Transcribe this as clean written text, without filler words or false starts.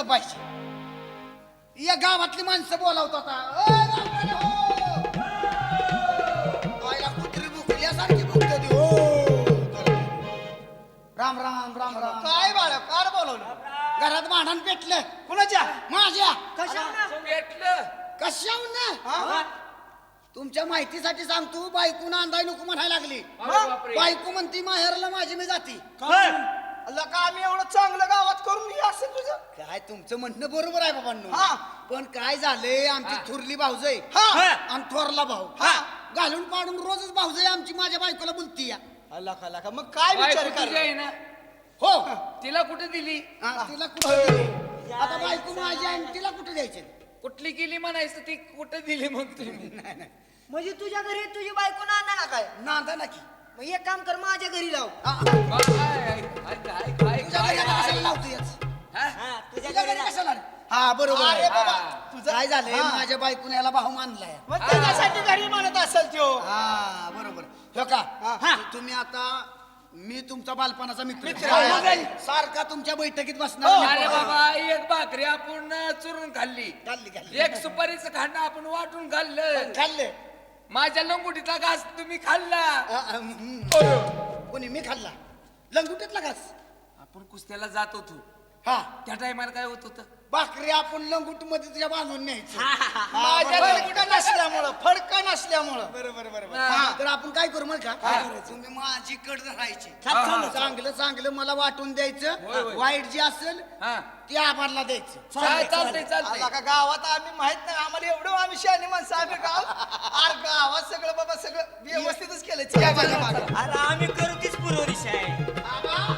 बघितलं पाहिजे. या गावातली माणसं बोलावत आता आईला कुत्री बुकल्यासारखी बुकत ती हो. राम राम राम राम. काय बाळा कार बोलवलं? घरात भांडण पेटलं. कुणाच्या? माझ्या. भेटलं कशाहून? तुमच्या माहितीसाठी सांगतो, बायको नांदाय नको म्हणायला लागली. बापरे. बायको म्हणती माहेरला माझी मी जाती. अल्ला का आम्ही एवढं चांगलं गावात करून घे असेल तुझं? काय तुमचं म्हणणं बरोबर आहे बाबांनो. हा. पण काय झालंय, आमची थुरली भाऊजय हा. आणि थोरला भाऊ हा. घालून पाडून रोजच भाऊजय आमची माझ्या बायकोला बोलती या. अल्ला का मग काय विचार बायको तुझी कर? आहे ना, हो. तिला कुठे दिली? हा, तिला कुठे दिली? आता बायको माझी आहे आणि तिला कुठे द्यायचे? कुठली गेली म्हणायचं, ती कुठे दिली मग तुम्ही? नाही नाही म्हणजे तुझ्या घरी तुझी बायको नांदा ना काय? नांदा ना की. मग एक काम कर, माझ्या घरी लाव. तुझ्या घरी कशाला लावतो याच? तुझ्या घरी कशाला रे? हा बरोबर आहे. अरे बाबा, तुझं काय झालंय, माझ्या बायकोने याला भाऊ मानलाय. मग त्याच्यासाठी घरी म्हणत असेल त्यो. हा बरोबर. हो का? हा. तुम्ही आता, मी तुमचा बालपणाचा मित्र मित्र. सारखा तुमच्या बैठकीत हो. बसणार. अरे बाबा, एक भाकरी आपण चुरून खाल्ली, खाल्ली खाल्ली एक सुपारीचं खाणं आपण वाटून खाल्लं, खाल्ले. माझ्या लंगुटीचा घास तुम्ही खाल्ला. कोणी? मी खाल्ला लंगुटीतला घास. आपण कुस्त्याला जात होतो, हा. त्या टायमाला काय होत होतं? भाकरी आपण लंगुट मध्ये तुझ्या बांधून न्यायचं. माझ्याकडे कुठं नसल्यामुळं, फडकं नसल्यामुळं. बरोबर बरोबर. हा. तर आपण काय करू मग का, तुम्ही माझी कड राहायची. चांगलं चांगलं मला वाटून होय, द्यायचं. होय. वाईट जे असेल हा, ते आम्हाला द्यायचं. चालतंय अल्ला चालतंय. का गावात आम्ही माहित नाही, आम्हाला एवढं आम्ही शहाणी माणसं आम्ही अरे गावात सगळं बाबा सगळं व्यवस्थितच केलं. अरे आम्ही करू तीच पूर्व दिशा आहे. बाबा,